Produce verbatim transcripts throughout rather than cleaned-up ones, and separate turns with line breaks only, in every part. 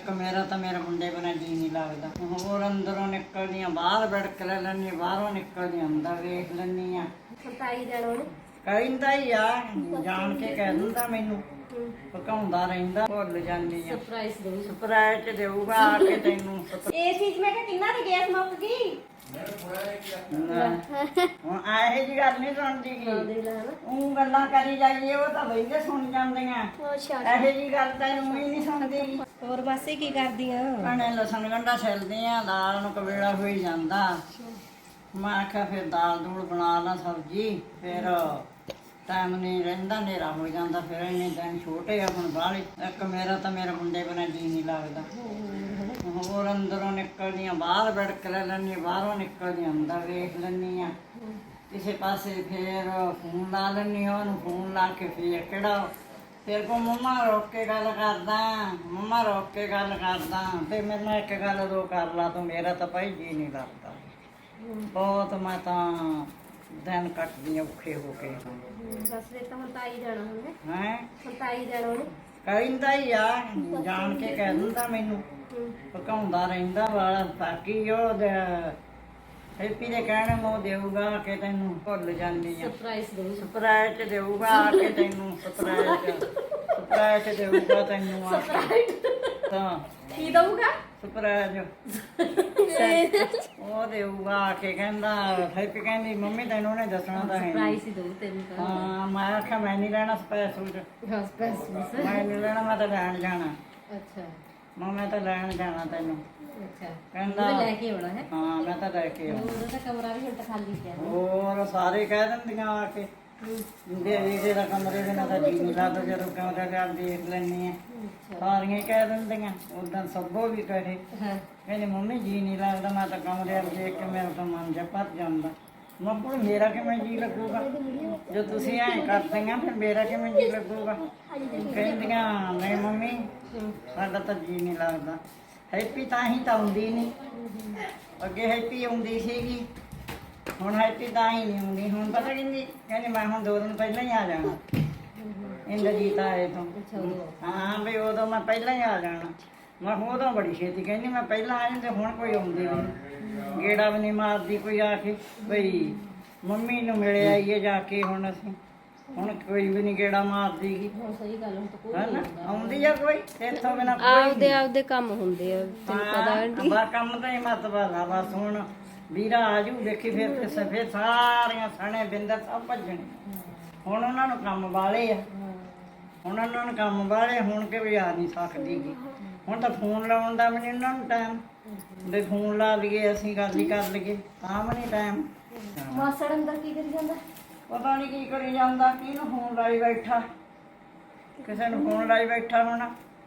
ਇੱਕ ਮੇਰਾ ਤਾਂ ਮੇਰੇ ਮੁੰਡੇ ਬਿਨਾਂ ਜੀ ਨਹੀਂ ਲੱਗਦਾ। ਹੋਰ ਅੰਦਰੋਂ ਨਿਕਲਦੀਆਂ ਬਾਹਰ ਬੜਕ ਲੈ ਲੈਂਦੀ, ਬਾਹਰੋਂ ਨਿਕਲਦੀਆਂ ਅੰਦਰ ਵੇਖ ਲੈਂਦੀ ਆ।
ਸਰਤਾਈ ਦੇਣਾ ਉਹਨੂੰ
ਕਹਿੰਦਾ ਹੀ ਆ, ਜਾਣ ਕੇ ਕਹਿ ਦਿੰਦਾ ਮੈਨੂੰ, ਭਕਾਉਂਦਾ ਰਹਿੰਦਾ, ਭੁੱਲ ਜਾਂਦੀ ਆ।
ਸਰਪ੍ਰਾਈਜ਼ ਦੋ।
ਸਰਪ੍ਰਾਈਜ਼ ਦੇਊਗਾ ਆ ਕੇ ਤੈਨੂੰ।
ਇਹ ਚੀਜ਼ ਮੈਂ ਕਿਹਾ ਕਿੰਨਾ ਦੀ ਗੈਸ ਮੁੱਕ ਗਈ।
ਹੁਣ ਆਹੇ ਜੀ ਗੱਲ ਨਹੀਂ ਸੁਣਦੀ
ਹਾਂ
ਗੀ,
ਦੇ ਲੈ ਹਨਾ।
ਉਹ ਗੱਲਾਂ ਕਰੀ ਜਾਈਏ ਉਹ ਤਾਂ ਬਈਦੇ ਸੁਣ ਜਾਂਦੀਆਂ।
ਅੱਛਾ
ਇਹੋ ਜੀ ਗੱਲ ਤੈਨੂੰ ਹੀ ਨਹੀਂ ਸੁਣਦੀ ਗੀ।
ਹੋਰ ਮਾਸੀ ਕੀ ਕਰਦੀਆਂ?
ਭੈਣੇ ਲਸਣ ਗੰਢਾ ਛਿਲਦੀ ਆ, ਦਾਲ ਨੂੰ ਕਵੇਲਾ ਹੋਈ ਜਾਂਦਾ। ਮੈਂ ਆਖਿਆ ਫਿਰ ਦਾਲ ਦੂਲ ਬਣਾ ਲਾ ਸਬਜ਼ੀ, ਫਿਰ ਟਾਈਮ ਨਹੀਂ ਰਹਿੰਦਾ, ਹਨੇਰਾ ਹੋ ਜਾਂਦਾ। ਫਿਰ ਇੰਨੇ ਦਿਨ ਛੋਟੇ ਆ ਹੁਣ ਬਾਹਲੇ। ਇੱਕ ਮੇਰਾ ਤਾਂ ਮੇਰੇ ਮੁੰਡੇ ਬਿਨਾਂ ਜੀ ਨਹੀਂ ਲੱਗਦਾ। ਹੋਰ ਅੰਦਰੋਂ ਨਿਕਲਦੀਆਂ ਬਾਹਰ ਬੜਕ ਲੈ ਲੈਂਦੀ, ਬਾਹਰੋਂ ਨਿਕਲਦੀਆਂ ਅੰਦਰ ਵੇਖ ਲੈਂਦੀ ਆ। ਕਿਸੇ ਪਾਸੇ ਫਿਰ ਫੋਨ ਲਾ ਲੈਂਦੀ, ਉਹਨੂੰ ਫੋਨ ਲਾ ਕੇ ਫਿਰ ਕਿਹੜਾ ਫਿਰ ਕੋ ਮੰਮਾ ਰੋਕ ਕੇ ਗੱਲ ਕਰਦਾ, ਮੰਮਾ ਰੋਕ ਕੇ ਗੱਲ ਕਰਦਾ। ਤੇ ਮੈਨੂੰ ਇੱਕ ਗੱਲ ਦੋ ਕਰ ਲਾ ਤੂੰ, ਮੇਰਾ ਤਾਂ ਭਾਈ ਜੀ ਨਹੀਂ ਲੱਗਦਾ ਬਹੁਤ। ਮੈਂ ਤਾਂ ਦਿਨ ਕੱਟਦੀ ਔਖੇ ਹੋ ਕੇ।
ਬਸ ਫਿਰ ਤਾਂ ਹੁਣ ਤਾਈ ਜਾਣਾ ਹੁਣ
ਹੈਂ
ਹੁਣ ਤਾਈ ਦੇਣਾ ਉਹਨੂੰ।
ਕਹਿੰਦਾ ਹੀ ਆ, ਜਾਣ ਕੇ ਕਹਿ ਦਿੰਦਾ ਮੈਨੂੰ, ਭਕਾਉਂਦਾ ਰਹਿੰਦਾ ਵਾਲਾ। ਬਾਕੀ ਉਹ ਹੈਪੀ ਦੇ ਕਹਿਣੇ ਨੂੰ ਦੇਊਗਾ ਕਿ ਤੈਨੂੰ, ਭੁੱਲ ਜਾਂਦੀ ਆ।
ਸਰਪ੍ਰਾਈਜ਼ ਦੋ।
ਸਰਪ੍ਰਾਈਜ਼ ਦੇਊਗਾ ਆ ਕੇ ਤੈਨੂੰ, ਸਰਪ੍ਰਾਈਜ਼ ਸਰਪ੍ਰਾਈਜ਼ ਦੇਊਗਾ ਤੈਨੂੰ ਆ ਕੇ। ਤਾਂ
ਕੀ ਦਊਗਾ?
ਸਰਪ੍ਰਾਈਜ਼ ਉਹ ਦੇਊਗਾ ਆ ਕੇ। ਕਹਿੰਦਾ ਹੈਪੀ ਕਹਿੰਦੀ ਮੰਮੀ ਤੈਨੂੰ ਉਹਨੇ ਦੱਸਣਾ ਤਾਂ ਹੈ ਨੀ।
ਸਰਪ੍ਰਾਈਜ਼ ਹੀ ਦੋ ਤੈਨੂੰ ਤਾਂ।
ਹਾਂ ਮੈਂ ਆਖਿਆ ਮੈਂ ਨਹੀਂ ਲੈਣਾ ਸਪੈਸ਼ਲ,
ਬਸ ਬਸ ਬਸ।
ਮੈਂ ਨਹੀਂ ਲੈਣਾ, ਮੈਂ ਤਾਂ ਲੈਣ ਜਾਣਾ।
ਅੱਛਾ
ਮੈਂ ਮੈਂ ਤਾਂ ਲੈਣ ਜਾਣਾ ਤੈਨੂੰ।
ਅੱਛਾ
ਕਹਿੰਦਾ
ਉਹਨੇ ਲੈ ਕੇ ਆਉਣਾ ਹੈ।
ਹਾਂ ਮੈਂ ਤਾਂ ਲੈ ਕੇ ਆਉਣਾ।
ਉਹਦਾ ਤਾਂ ਕਮਰਾ ਵੀ ਹੁਣ ਤਾਂ ਖਾਲੀ ਪਿਆ।
ਹੋਰ ਸਾਰੇ ਕਹਿ ਦਿੰਦੀਆਂ ਆ ਕੇ ਦੇ ਵੀਰੇ ਦਾ ਕਮਰੇ ਦੇ ਨਾਲ ਤਾਂ ਜੀ ਨਹੀਂ ਲੱਗਦਾ, ਜਦੋਂ ਕਮਰਾ ਜਾ ਦੇਖ ਲੈਂਦੀ ਆ ਸਾਰੀਆਂ ਹੀ ਕਹਿ ਦਿੰਦੀਆਂ। ਉਦਾਂ ਸਭੋ ਵੀ ਕਹੇ,
ਹਾਂ
ਕਹਿੰਦੇ ਮੰਮੀ ਜੀ ਨਹੀਂ ਲੱਗਦਾ, ਮੈਂ ਤਾਂ ਕਮਰੇ ਵੱਲ ਦੇਖ ਕੇ ਮੇਰਾ ਤਾਂ ਮਨ ਜਿਹਾ ਭਰ ਜਾਂਦਾ। ਮੈਂ ਕਿਹਾ ਮੇਰਾ ਕਿਵੇਂ ਜੀ ਲੱਗੂਗਾ ਜੋ ਤੁਸੀਂ ਐਂ ਕਰਦੀਆਂ, ਫਿਰ ਮੇਰਾ ਕਿਵੇਂ ਜੀ ਲੱਗੂਗਾ। ਕਹਿੰਦੀਆਂ ਨਹੀਂ ਮੰਮੀ ਸਾਡਾ ਤਾਂ ਜੀ ਨਹੀਂ ਲੱਗਦਾ। ਹੈਪੀ ਤਾਂ ਹੀ ਤਾਂ ਆਉਂਦੀ ਨਹੀਂ, ਅੱਗੇ ਹੈਪੀ ਆਉਂਦੀ ਸੀਗੀ, ਹੁਣ ਹੈਪੀ ਤਾਂ ਹੀ ਨਹੀਂ ਆਉਂਦੀ। ਹੁਣ ਪਤਾ ਕਹਿੰਦੀ ਕਹਿੰਦੀ ਮੈਂ ਹੁਣ ਦੋ ਦਿਨ ਪਹਿਲਾਂ ਹੀ ਆ ਜਾਣਾ ਇੰਦਰਜੀਤ ਆਏ ਤੋਂ। ਹਾਂ ਵੀ ਉਦੋਂ ਮੈਂ ਪਹਿਲਾਂ ਹੀ ਆ ਜਾਣਾ। ਮੈਂ ਕਿਹਾ ਉਦੋਂ ਬੜੀ ਛੇਤੀ ਕਹਿੰਦੀ ਮੈਂ ਪਹਿਲਾਂ ਆ ਜਾਂਦੇ, ਹੁਣ ਕੋਈ ਆਉਂਦੀ ਨਹੀਂ, ਗੇੜਾ ਵੀ ਨਹੀਂ ਮਾਰਦੀ ਕੋਈ ਆ ਕੇ ਬਈ ਮੰਮੀ ਨੂੰ ਮਿਲ ਆਈਏ ਜਾ ਕੇ। ਹੁਣ ਅਸੀਂ ਹੁਣ ਕੋਈ ਵੀ ਨਹੀਂ ਗੇੜਾ ਮਾਰਦੀ ਗੀ।
ਹੁਣ ਸਹੀ ਗੱਲ, ਹੁਣ ਤਾਂ ਕੋਈ
ਹਨਾ ਆਉਂਦੀ ਆ ਕੋਈ ਇੱਥੋਂ ਬਿਨਾਂ ਕੋਈ
ਆਪਦੇ ਆਪਦੇ ਕੰਮ ਹੁੰਦੇ ਆ ਤੈਨੂੰ ਪਤਾ
ਹਾਂ ਬਾ ਕੰਮ ਤਾਂ ਹੀ ਮਤਲਬ ਆ। ਬਸ ਹੁਣ ਵੀਰਾ ਆਜੂ ਦੇਖੀ ਫਿਰ ਫਿਰ ਸਫੇ ਸਾਰੀਆਂ ਸਣੇ ਬਿੰਦਰ ਸਭ ਭੱਜਣੇ। ਹੁਣ ਉਹਨਾਂ ਨੂੰ ਕੰਮ ਵਾਲੇ ਆ, ਹੁਣ ਉਹਨਾਂ ਨੂੰ ਕੰਮ ਵਾਲੇ ਹੁਣ ਕਿ ਵੀ ਆ ਨਹੀਂ ਸਕਦੀ ਗੀ। ਹੁਣ ਤਾਂ ਫੋਨ ਲਾਉਣ ਦਾ ਵੀ ਨਹੀਂ ਉਹਨਾਂ ਨੂੰ ਟਾਈਮ, ਵੀ ਫੋਨ ਲਾ ਲਈਏ ਅਸੀਂ ਗੱਲ ਹੀ ਕਰ ਲਈਏ ਤਾਂ ਵੀ ਨਹੀਂ ਟਾਈਮ।
ਮਾਸੜ ਅੰਦਰ ਕੀ ਕਰੀ ਜਾਂਦਾ?
ਪਤਾ ਨਹੀਂ ਕੀ ਕਰੀ ਜਾਂਦਾ, ਕਿਹਨੂੰ ਫੋਨ ਲਾਈ ਬੈਠਾ, ਕਿਸੇ ਨੂੰ ਫੋਨ ਲਾਈ ਬੈਠਾ ਹੋਣਾ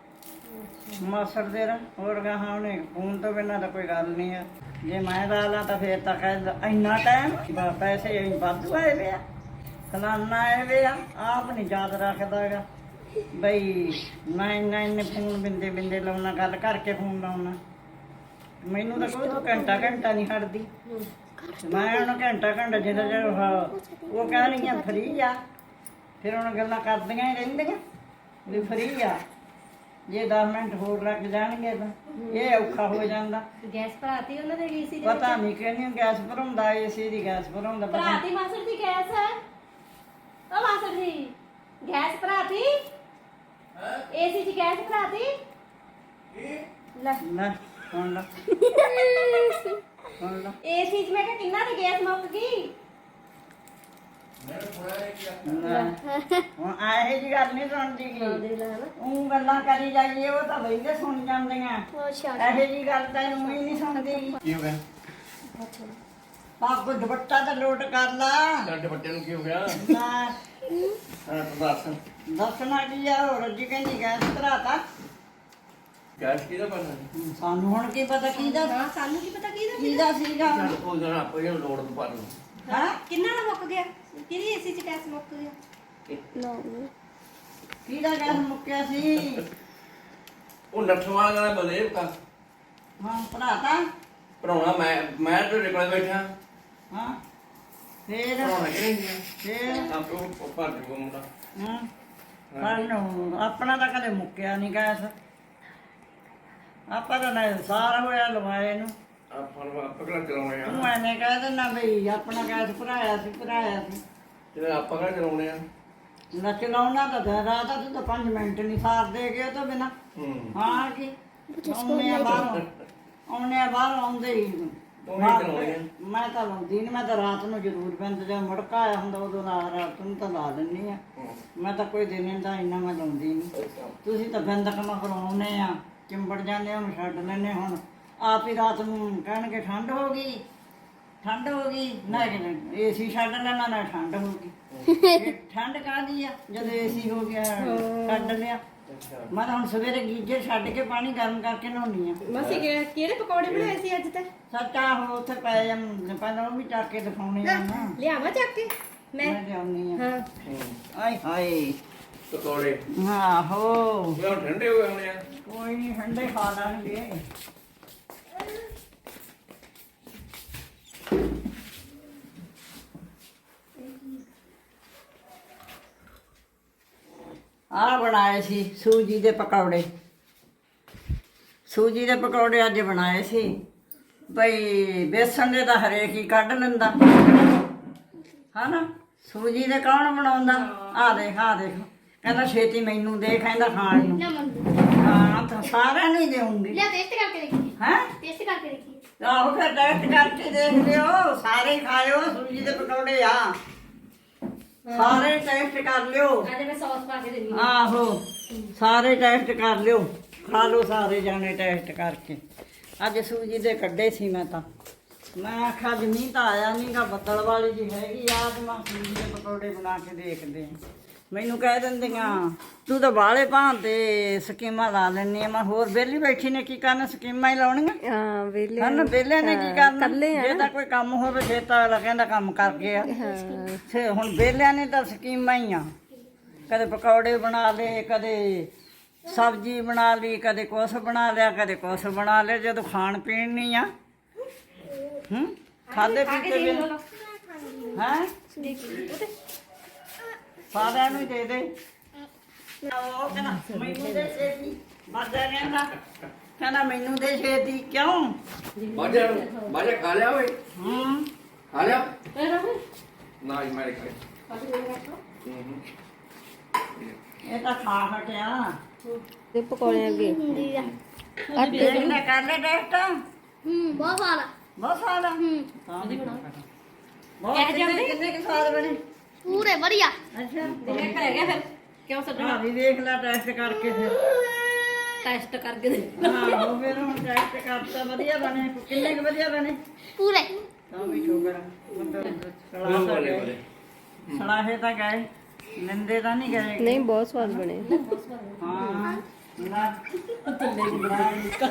ਮਾਸੜ ਦੇ ਰ ਹੋਰ ਗਾਹਾਂ। ਉਹਨੇ ਫੋਨ ਤੋਂ ਬਿਨਾਂ ਤਾਂ ਕੋਈ ਗੱਲ ਨਹੀਂ ਆ। ਜੇ ਮੈਂ ਲਾ ਲਾ ਤਾਂ ਫੇਰ ਤਾਂ ਕਹਿ ਇੰਨਾ ਟਾਈਮ ਪੈਸੇ ਅਸੀਂ ਵਾਧੂ ਆਏ ਵੇ ਆ, ਫਲਾਨਾ ਆਏ ਵੇ ਆ, ਆਪ ਨਹੀਂ ਯਾਦ ਰੱਖਦਾ ਹੈਗਾ ਬਈ ਮੈਂ ਇੰਨਾ ਇੰਨੇ ਫੋਨ ਬਿੰਦੇ ਬਿੰਦੇ ਲਾਉਣਾ, ਗੱਲ ਕਰਕੇ ਫੋਨ ਲਾਉਣਾ। ਮੈਨੂੰ ਤਾਂ ਕੋਈ ਤੂੰ ਘੰਟਾ ਘੰਟਾ ਨਹੀਂ ਹਟਦੀ। ਮੈਂ ਉਹਨੂੰ ਘੰਟਾ ਘੰਟਾ ਜਿੰਨਾ ਚਿਰ ਉਹ ਕਹਿਣਗੀਆਂ ਫਰੀ ਆ, ਫਿਰ ਉਹਨਾਂ ਗੱਲਾਂ ਕਰਦੀਆਂ ਹੀ ਰਹਿੰਦੀਆਂ ਵੀ ਫਰੀ ਆ। ਜੇ ਦਸ ਮਿੰਟ ਹੋਰ ਲੱਗ ਜਾਣਗੇ ਤਾਂ ਇਹ ਔਖਾ ਹੋ ਜਾਂਦਾ।
ਗੈਸ ਭਰਾਤੀ ਉਹਨਾਂ ਦੇ ਏਸੀ ਦੇ
ਪਤਾ ਨਹੀਂ ਕਿਹਨੂੰ ਗੈਸ ਭਰਾਉਂਦਾ, ਏਸੀ ਦੀ ਗੈਸ ਭਰਾਉਂਦਾ ਪਤਾ
ਭਰਾਤੀ ਮਾਸੜ ਦੀ ਗੈਸ ਹੈ। ਉਹ ਮਾਸੜ ਜੀ ਗੈਸ ਭਰਾਤੀ, ਏਸੀ ਦੀ ਗੈਸ ਭਰਾਤੀ। ਲੈ
ਨਾ ਹੁਣ ਲਾ ਹੁਣ ਲਾ
ਏਸੀ ਚ ਮੈਂ ਕਿਹਾ ਕਿੰਨਾ ਦੀ ਗੈਸ ਮੁੱਕ ਗਈ।
ਨਾ ਹੁਣ ਆਹੇ ਜੀ ਗੱਲ ਨਹੀਂ ਸੁਣਦੀ
ਹਾਂ
ਗੀ,
ਦੇ ਲੈ ਹਨਾ।
ਉਹ ਗੱਲਾਂ ਕਰੀ ਜਾਈਏ ਉਹ ਤਾਂ ਬਈਦੇ ਸੁਣ ਜਾਂਦੀਆਂ।
ਅੱਛਾ
ਇਹੋ ਜੀ ਗੱਲ ਤੈਨੂੰ ਹੀ ਨਹੀਂ ਸੁਣਦੀ ਗੀ।
ਕੀ ਹੋ ਗਿਆ?
ਪੱਗ ਦੁਪੱਟਾ ਤਾਂ ਲੋਟ ਕਰ ਲਾ।
ਤੁਹਾਡੇ ਬੱਚੇ ਨੂੰ ਕੀ ਹੋ ਗਿਆ?
ਨਾ
ਹਾਂ ਦੱਸ।
ਦੱਸਣਾ ਕੀ ਆ, ਹੋਰ ਜੀ ਕਹਿੰਦੀ ਗੈਸ ਭਰਾਤਾ।
ਗੈਸ ਕਿਹਦਾ ਪਤਾ?
ਸਾਨੂੰ ਹੁਣ ਕੀ ਪਤਾ ਕਿਹਦਾ
ਹਾਂ ਸਾਨੂੰ ਕੀ ਪਤਾ ਕਿਹਦਾ
ਕਿਹਦਾ ਸੀਗਾ।
ਚੱਲ ਕੋਈ ਨਾ ਆਪੇ ਹੀ ਲੋੜ ਤੋਂ ਪਾ ਲਓ।
ਹਾਂ
ਕਿੰਨਾ ਦਾ ਮੁੱਕ ਗਿਆ, ਕਿਹਦੀ ਏਸੀ ਚ ਗੈਸ ਮੁੱਕ ਗਿਆ।
ਕਿਹਦਾ ਗੈਸ ਮੁੱਕਿਆ ਸੀ।
ਉਹ ਨੱਠਵਾਂ ਦਾ ਬਲੇ ਕਾ
ਹਾਂ ਭਰਾਤਾ।
ਭਰਾਉਣਾ ਮੈਂ ਮੈਂ ਤੇ ਨਿਕਲ ਬੈਠਾ।
ਹਾਂ ਫੇਰ
ਭਰਾਉਣਾ ਕਿ ਨਹੀਂ
ਫੇਰ
ਆਪੇ ਉਹ ਭਰ ਜੂਗਾ ਮੁੰਡਾ।
ਹਾਂ ਸਾਨੂੰ ਆਪਣਾ ਤਾਂ ਕਦੇ ਮੁੱਕਿਆ ਨਹੀਂ ਗੈਸ। ਆਪਾਂ ਤਾਂ ਨਾ ਸਾਰਾ ਹੋਇਆ ਲਵਾਏ ਨੂੰ
ਆਪਾਂ ਨੂੰ ਆਪਾਂ ਕਿਹੜਾ ਚਲਾਉਣੇ ਆ
ਤੂੰ ਐਨੇ ਕਹਿ ਦਿੰਦਾ ਬਈ ਆਪਣਾ ਗੈਸ ਭਰਾਇਆ ਸੀ ਭਰਾਇਆ ਸੀ
ਜਿਹੜੇ ਆਪਾਂ ਕਿਹੜਾ ਚਲਾਉਣੇ ਆ
ਨਾ ਚਲਾਉਣਾ ਤਾਂ ਦਿਨ ਰਾਤ ਆ, ਤੂੰ ਤਾਂ ਪੰਜ ਮਿੰਟ ਨਹੀਂ ਸਾਰ ਦੇ ਗਿਆ ਤੋਂ ਬਿਨਾ
ਹੂੰ
ਹਾਂ ਕੀ ਆਉਣੇ ਆ ਬਾਹਰੋਂ ਆਉਣੇ ਆ ਬਾਹਰ ਆਉਂਦੇ ਹੀ
ਤੂੰ ਨਹੀਂ ਚਲਾਉਣੀ ਆ
ਮੈਂ ਤਾਂ ਲਾਉਂਦੀ ਨਹੀਂ ਮੈਂ ਤਾਂ ਰਾਤ ਨੂੰ ਜ਼ਰੂਰ ਬੰਦ ਜਦੋਂ ਮੁੜਕਾ ਆਇਆ ਹੁੰਦਾ ਉਦੋਂ ਲਾ ਰਾਤ ਨੂੰ ਤਾਂ ਲਾ ਦਿੰਦੀ ਆ ਮੈਂ ਤਾਂ ਕੋਈ ਦਿਨ ਦਾ ਇੰਨਾ ਮੈਂ ਲਾਉਂਦੀ ਨਹੀਂ ਤੁਸੀਂ ਤਾਂ ਬੰਦ ਕੰਮ ਕਰਾਉਨੇ ਆ ਚਿੰਬੜ ਜਾਂਦੇ ਹੁਣ ਛੱਡ ਲੈਨੇ ਹੁਣ ਆਪ ਹੀ ਰਾਤ ਨੂੰ ਕਹਿਣਗੇ ਠੰਡ ਹੋ ਗਈ ਠੰਡ ਹੋ ਗਈ ਨਾ ਏਸੀ ਛੱਡ ਲੈਣਾ ਨਾ ਠੰਡ ਹੋ ਗਈ ਇਹ ਠੰਡ ਕਾਹਦੀ ਆ ਜਦੋਂ ਏਸੀ ਹੋ ਗਿਆ ਛੱਡ ਲਿਆ ਮੈਂ ਤਾਂ ਹੁਣ ਸਵੇਰੇ ਗੀਜ਼ਰ ਛੱਡ ਕੇ ਪਾਣੀ ਗਰਮ ਕਰਕੇ ਨਹਾਉਣੀ ਆ
ਮਾਸੀ ਕਿ- ਕਿਹੜੇ ਪਕੌੜੇ ਬਣਾਏ ਸੀ ਅੱਜ ਤੇ
ਸੱਚਾ ਹੋ ਉੱਥੇ ਪਏ ਆ ਪਹਿਲਾਂ ਉਹ ਵੀ ਚੱਕ ਕੇ ਦਿਖਾਉਣੇ ਆ ਨਾ
ਲਿਆਵਾਂ ਚੱਕ ਕੇ ਮੈਂ
ਮੈਂ ਲਿਆਉਣੀ ਆ
ਹਾਂ
ਆਏ ਹਾਏ
ਪਕੌੜੇ
ਆਹੋ
ਉਹ ਠੰਡੇ ਹੋ ਗਏ ਆ
ਕੋਈ ਨਹੀਂ ਠੰਡੇ ਖਾ ਲਾਂਗੇ ਆ ਬਣਾਏ ਸੀ ਸੂਜੀ ਦੇ ਪਕੌੜੇ ਸੂਜੀ ਦੇ ਪਕੌੜੇ ਅੱਜ ਬਣਾਏ ਸੀ ਬਈ ਬੇਸਣ ਦੇ ਤਾਂ ਹਰੇਕ ਹੀ ਕੱਢ ਲੈਂਦਾ ਹਨਾ ਸੂਜੀ ਦੇ ਕੌਣ ਬਣਾਉਂਦਾ ਆ ਦੇਖ ਆ ਦੇਖ ਕਹਿੰਦਾ ਛੇਤੀ ਮੈਨੂੰ ਦੇ ਕਹਿੰਦਾ ਖਾਣ ਨੂੰ ਹਾਂ ਤਾਂ ਸਾਰਿਆਂ ਨੂੰ ਹੀ ਦੇਉਂਗੀ
ਲਿਆ ਟੇਸਟ ਕਰਕੇ ਦੇਖੀਏ
ਹੈ
ਟੇਸਟ ਕਰਕੇ ਦੇਖੀਏ
ਆਹੋ ਫਿਰ ਟੈਸਟ ਕਰਕੇ ਦੇਖ ਲਿਓ ਸਾਰੇ ਖਾਇਓ ਸੂਜੀ ਦੇ ਪਕੌੜੇ ਆ ਸਾਰੇ ਟੈਸਟ ਕਰ ਲਿਓ
ਅੱਜ ਮੈਂ ਸੌਸ ਪਾ ਕੇ ਦੇਣੀ
ਆਹੋ ਸਾਰੇ ਟੈਸਟ ਕਰ ਲਿਓ ਖਾ ਲਓ ਸਾਰੇ ਜਾਣੇ ਟੈਸਟ ਕਰਕੇ ਅੱਜ ਸੂਜੀ ਦੇ ਕੱਢੇ ਸੀ ਮੈਂ ਤਾਂ ਮੈਂ ਆਖਿਆ ਅੱਜ ਮੀਂਹ ਤਾਂ ਆਇਆ ਨਹੀਂਗਾ ਬੱਦਲ ਵਾਲੀ ਜੀ ਹੈਗੀ ਆ ਤੇ ਮੈਂ ਸੂਜੀ ਦੇ ਪਕੌੜੇ ਬਣਾ ਕੇ ਦੇਖਦੇ ਆ ਮੈਨੂੰ ਕਹਿ ਦਿੰਦੀਆਂ ਤੂੰ ਤਾਂ ਬਾਲੇ ਭਾਂ ਤੇ ਸਕੀਮਾਂ ਲਾ ਲੈਣੀ ਆ ਮੈਂ ਹੋਰ ਵਿਹਲੀ ਬੈਠੀ ਨੇ ਕੀ ਕਰਨਾ ਸਕੀਮਾਂ ਹੀ ਲਾਉਣੀਆਂ
ਹਾਂ ਵੇਲੇ
ਹਨ ਵਿਹਲੇ ਨੇ ਕੀ ਕਰਨਾ ਜੇ ਤਾਂ ਕੋਈ ਕੰਮ ਹੋਵੇ ਜੇ ਤਾਂ ਅਗਲਾ ਕਹਿੰਦਾ ਕੰਮ ਕਰਕੇ ਆ ਤੇ ਹੁਣ ਵਿਹਲਿਆਂ ਨੇ ਤਾਂ ਸਕੀਮਾਂ ਹੀ ਆ ਕਦੇ ਪਕੌੜੇ ਬਣਾ ਲਏ ਕਦੇ ਸਬਜ਼ੀ ਬਣਾ ਲਈ ਕਦੇ ਕੁਛ ਬਣਾ ਲਿਆ ਕਦੇ ਕੁਛ ਬਣਾ ਲਿਆ ਜਦੋਂ ਖਾਣ ਪੀਣ ਨਹੀਂ ਆ ਹੂੰ ਖਾਦੇ ਪੀਤੇ ਵੀ ਹੈ ਸਾਰਿਆਂ ਨੂੰ ਹੀ ਦੇ ਦੇ ਉਹ ਕਹਿੰਦਾ ਮੈਨੂੰ ਦੇ ਛੇਤੀ ਮਰਦਾ ਕਹਿੰਦਾ ਕਹਿੰਦਾ ਮੈਨੂੰ ਦੇ ਛੇਤੀ ਕਿਉਂ
ਬਾਜਾ ਬਾਜਾ ਖਾ ਲਿਆ ਓਏ
ਹੂੰ
ਖਾ ਲਿਆ
ਇਹ ਰਹੂ
ਨਾ ਹੀ ਮੈਂ ਖਾ
ਪਾਸੇ ਦੇ ਰੱਖੋ
ਹੂੰ
ਇਹ ਤਾਂ ਖਾ ਹਟਿਆ
ਤੇ ਪਕੌੜੇ ਅੱਗੇ
ਦੇਖ ਲੈ ਕਰ ਲੈ ਟੈਸਟ
ਹੂੰ ਬਹੁਤ ਸਾਰਾ
ਬਹੁਤ ਸਾਰਾ
ਹੂੰ
ਬਹੁਤ ਕਿੰਨੇ ਕਿੰਨੇ ਕੁ ਸਵਾਦ ਬਣੇ
ਪੂਰੇ ਵਧੀਆ
ਅੱਛਾ
ਦੇਖ ਰਹਿ ਗਿਆ ਫਿਰ ਕਿਉਂ ਛੱਡਣਾ
ਹਾਂ ਵੀ ਦੇਖ ਲੈ ਟੈਸਟ ਕਰਕੇ ਫਿਰ
ਟੈਸਟ ਕਰਕੇ ਦੇ
ਹਾਂ ਉਹ ਫਿਰ ਹੁਣ ਟੈਸਟ ਕਰਤਾ ਵਧੀਆ ਬਣੇ ਕਿੰਨੇ ਕੁ ਵਧੀਆ ਬਣੇ
ਪੂਰੇ
ਤਾਂ ਵੀ ਸ਼ੁਕਰ
ਬੋਲੇ ਬੋਲੇ ਬੋਲੇ
ਸਲਾਹੇ ਤਾਂ ਗਏ ਨਿੰਦੇ ਤਾਂ ਨਹੀਂ ਗਏ
ਨਹੀਂ ਬਹੁਤ ਸਵਾਦ ਬਣੇ
ਹਾਂ ਨਾ
ਥੱਲੇ ਦੀ ਨਿਕਲ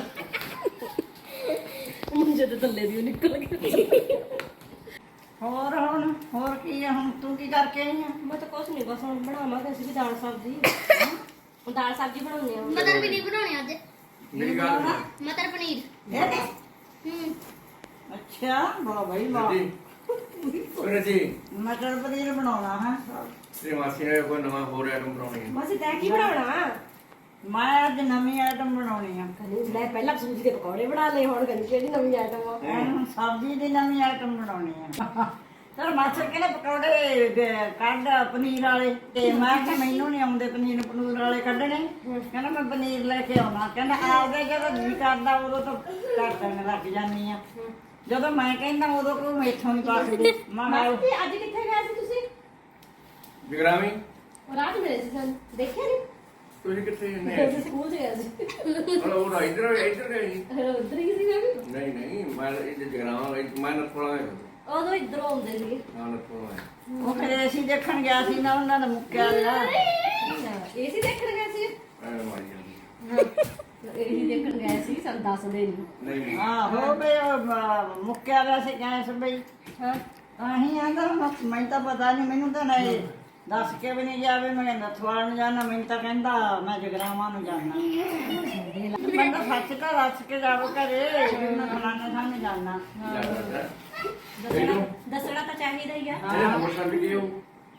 ਮੁੰਡੇ ਤੇ ਥੱਲੇ ਦੀ ਨਿਕਲ ਗਈ
ਹੋਰ ਹੁਣ ਹੋਰ ਕੀ ਆ ਹੁਣ ਤੂੰ ਕੀ ਕਰਕੇ ਆਈ ਆ
ਮੈਂ ਤਾਂ ਕੁਛ ਨਹੀਂ ਬਸ ਹੁਣ ਬਣਾਵਾਂਗੇ ਅਸੀਂ ਵੀ ਦਾਲ ਸਬਜ਼ੀ ਹੁਣ ਦਾਲ ਸਬਜ਼ੀ ਬਣਾਉਣੀ ਆ ਮਟਰ ਪਨੀਰ ਬਣਾਉਣੇ ਅੱਜ
ਮੇਰੀ ਗੱਲ ਸੁਣ।
ਮਟਰ ਪਨੀਰ
ਇਹ ਦੇ
ਹੂੰ
ਅੱਛਾ ਵਾਹ ਭਾਈ ਵਾਹ
ਜੀ ਉਹਨੇ ਜੀ
ਮਟਰ ਪਨੀਰ ਬਣਾਉਣਾ ਹੈ
ਤੇਰੀ ਮਾਸੀ ਨੇ ਕੋਈ ਨਵਾਂ ਹੋਰ ਆਈਟਮ ਬਣਾਉਣੀ ਹੈ
ਮਾਸੀ ਤੈਂ ਕੀ ਬਣਾਉਣਾ
ਮੈਂ ਅੱਜ ਨਵੀਂ ਆਈਟਮ ਬਣਾਉਣੀ ਆ
ਕਹਿੰਦੀ ਮੈਂ ਪਹਿਲਾਂ ਸੂਜੀ ਦੇ ਪਕੌੜੇ ਬਣਾ ਲਏ ਹੁਣ ਕਹਿੰਦੀ ਕਿਹੜੀ ਨਵੀਂ ਆਈਟਮ ਆ
ਹੁਣ ਸਬਜ਼ੀ ਦੀ ਨਵੀਂ ਆਈਟਮ ਬਣਾਉਣੀ ਆ ਚਲ ਮਾਸਟਰ ਕਹਿੰਦੇ ਪਕੌੜੇ ਗ- ਕੱਢ ਪਨੀਰ ਵਾਲੇ ਤੇ ਮੈਂ ਕਿਹਾ ਮੈਨੂੰ ਨਹੀਂ ਆਉਂਦੇ ਪਨੀਰ ਪਨੂਰ ਵਾਲੇ ਕੱਢਣੇ ਕਹਿੰਦਾ ਮੈਂ ਪਨੀਰ ਲੈ ਕੇ ਆਉਣਾ ਕਹਿੰਦਾ ਆਪਦੇ ਜਦੋਂ ਜੀ ਕਰਦਾ ਉਦੋਂ ਤਾਂ ਕੱਟਣ ਲੱਗ ਜਾਂਦੀ ਆ ਜਦੋਂ ਮੈਂ ਕਹਿੰਦਾ ਉਦੋਂ ਕੋਈ ਮੈਥੋਂ ਨਹੀਂ ਪਾਸਦੀ ਮੈਂ ਕਿਹਾ
ਮਾਸੀ ਅੱਜ ਕਿੱਥੇ ਗਏ ਸੀ ਤੁਸੀਂ
ਜਗਰਾਮੀ
ਰਾਤ ਮਿਲੇ ਸੀ ਸਾਨੂੰ ਦੇਖਿਆ ਨਹੀਂ
ਤੁਸੀਂ ਕਿੱਥੇ ਨੇ
ਤੁਸੀਂ ਸਕੂਲ ਚ ਗਏ ਸੀ
ਉਹ ਉਹ ਇੱਧਰ ਇੱਧਰ ਗਈ
ਉਧਰ ਹੀ ਸੀ ਮੈਂ ਵੀ
ਨਹੀਂ ਨਹੀਂ ਮੈਂ ਇਹ ਜਗਰਾਵਾਂ ਮੈਂ ਨਥੋਲਾ ਹੈ
ਉਦੋਂ ਇਧਰੋਂ ਆਉਂਦੇ ਸੀਗੇ
ਹਾਂ ਨਥੋਲਾ
ਉਹ ਫਿਰ ਅਸੀਂ ਦੇਖਣ ਗਿਆ ਸੀ ਨਾ ਉਹਨਾਂ ਦਾ ਮੁੱਕਿਆ ਲਿਆ
ਏਸੀ ਦੇਖਣ ਗਏ ਸੀ
ਐ ਮਾਰੀ ਜਾਂਦੀ
ਏਸੀ ਦੇਖਣ ਗਏ ਸੀ ਸਾਨੂੰ ਦੱਸਦੇ ਨਹੀਂ
ਨਹੀਂ ਨਹੀਂ
ਆਹੋ ਬਈ ਉਹ, ਅਹ, ਮੁੱਕਿਆ ਲਿਆ ਸੀ ਗੈਸ ਬਈ
ਹਾਂ
ਅਹੀਂ ਆਂਦਾ ਮੈਨੂੰ ਤਾਂ ਪਤਾ ਨਹੀਂ ਮੈਨੂੰ ਤਾਂ ਨਹੀਂ ਦੱਸ ਕੇ ਵੀ ਨਹੀਂ ਜਾਵੇ ਮੈਂ ਨਥਵਾਲ ਨੂੰ ਜਾਣਾ ਮੈਨੂੰ ਤਾਂ ਕਹਿੰਦਾ ਮੈਂ ਜਗਰਾਵਾਂ ਨੂੰ ਜਾਣਾ ਮੈਂ ਤਾਂ ਸੱਚ ਤਾਂ ਦੱਸ ਕੇ ਜਾਵੋ ਘਰੇ ਵੀ ਮੈਂ ਫਲਾਣੇ ਥਾਂ ਨੂੰ ਜਾਣਾ
ਦੱਸਣਾ ਦੱਸਣਾ ਤਾਂ ਚਾਹੀਦਾ ਹੀ ਆ
ਇਹ ਨੰਬਰ ਛੱਡ ਗਏ ਉਹ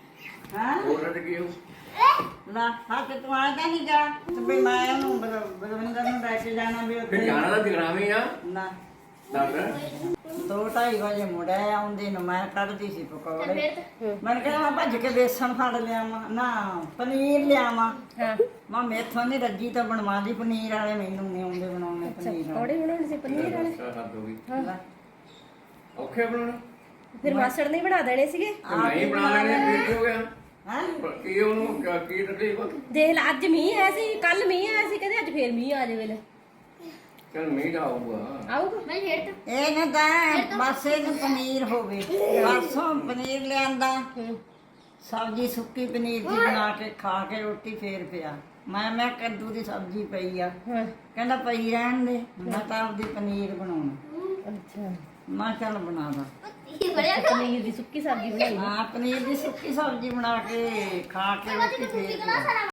ਹਾਂ
ਹੋਰ ਰੱਜ ਗਈ ਉਹ
ਨਾ ਹੱਥ ਤੂੰ ਆਇਆ ਨਹੀਂ ਜਾ ਤੇ ਵੀ ਮੈਂ ਉਹਨੂੰ ਬਲ- ਬਲਵਿੰਦਰ ਨੂੰ ਲੈ ਕੇ ਜਾਣਾ ਵੀ
ਫਿਰ
ਉੱਥੇ
ਜਾਣਾ ਤਾਂ ਜਗਰਾਵੇਂ ਆ
ਨਾ
ਦੱਸ
ਦੋ ਢਾਈ ਵਜੇ ਮੁੜਿਆ ਆਉਂਦੇ ਨੂੰ ਮੈਂ ਕੱਢਦੀ ਸੀ ਪਕੌੜੇ ਮੈਂ ਕਿਹਾ ਮੈਂ ਭੱਜ ਕੇ ਬੇਸਣ ਫੜ ਲਿਆਵਾਂ ਨਾ ਪਨੀਰ ਲਿਆਵਾਂ
ਹਾਂ
ਮੈਂ ਮੇਥੋਂ ਨਹੀਂ ਰੱਜੀ ਤਾਂ ਬਣਵਾ ਲਈ ਪਨੀਰ ਵਾਲੇ ਮੈਨੂੰ ਨਹੀਂ ਆਉਂਦੇ ਬਣਾਉਣੇ ਪਨੀਰ ਵਾਲੇ
ਪਕੌੜੇ ਬਣਾਉਣੇ ਸੀ ਪਨੀਰ ਵਾਲੇ
ਹੱਦ ਹੋ ਗਈ
ਲੈ,
ਔਖੇ ਬਣਾਉਣਾ
ਫਿਰ ਮਾਸੜ ਨੇ ਹੀ ਬਣਾ ਦੇਣੇ ਸੀਗੇ
ਤੇ ਮੈਂ ਹੀ ਬਣਾ ਲੈਣੇ ਫਿਰ ਕੀ ਹੋ ਗਿਆ
ਹੈਂ?
ਪਰ ਕੀ ਉਹਨੂੰ ਕਿਆ- ਕੀ ਤਕਲੀਫ ਆ?
ਦੇਖ ਲੈ ਅੱਜ ਮੀਂਹ ਆਇਆ ਸੀ ਕੱਲ ਮੀਂਹ ਆਇਆ ਸੀ ਕਹਿੰਦੇ ਅੱਜ ਫੇਰ ਮੀਂਹ ਆ ਜਾਵੇ ਲੈ
ਚੱਲ ਮੀਂਹ ਦਾ ਆਊਗਾ
ਆਊਗਾ ਮੈਂ ਫੇਰ
ਇਹ ਨਾ ਤਾਂ ਬਸ ਇਹਨੂੰ ਪਨੀਰ ਹੋਵੇ ਪਰਸੋਂ ਪਨੀਰ ਲਿਆਂਦਾ ਸਬਜ਼ੀ ਸੁੱਕੀ ਪਨੀਰ ਦੀ ਬਣਾ ਕੇ ਖਾ ਕੇ ਰੋਟੀ ਫੇਰ ਪਿਆ ਮੈਂ ਮੈਂ ਕੱਦੂ ਦੀ ਸਬਜ਼ੀ ਪਈ ਆ
ਹਾਂ
ਕਹਿੰਦਾ ਪਈ ਰਹਿਣ ਦੇ ਮੈਂ ਤਾਂ ਆਪਦੀ ਪਨੀਰ ਬਣਾਉਣਾ
ਅੱਛਾ
ਮੈਂ ਕਿਹਾ ਚੱਲ ਬਣਾ ਦਾ
ਪਨੀਰ ਦੀ ਸੁੱਕੀ ਸਬਜ਼ੀ ਬਣਾਈ
ਹਾਂ ਪਨੀਰ ਦੀ ਸੁੱਕੀ ਸਬਜ਼ੀ ਬਣਾ ਕੇ ਖਾ ਕੇ ਰੋਟੀ ਫੇਰ ਪਿਆ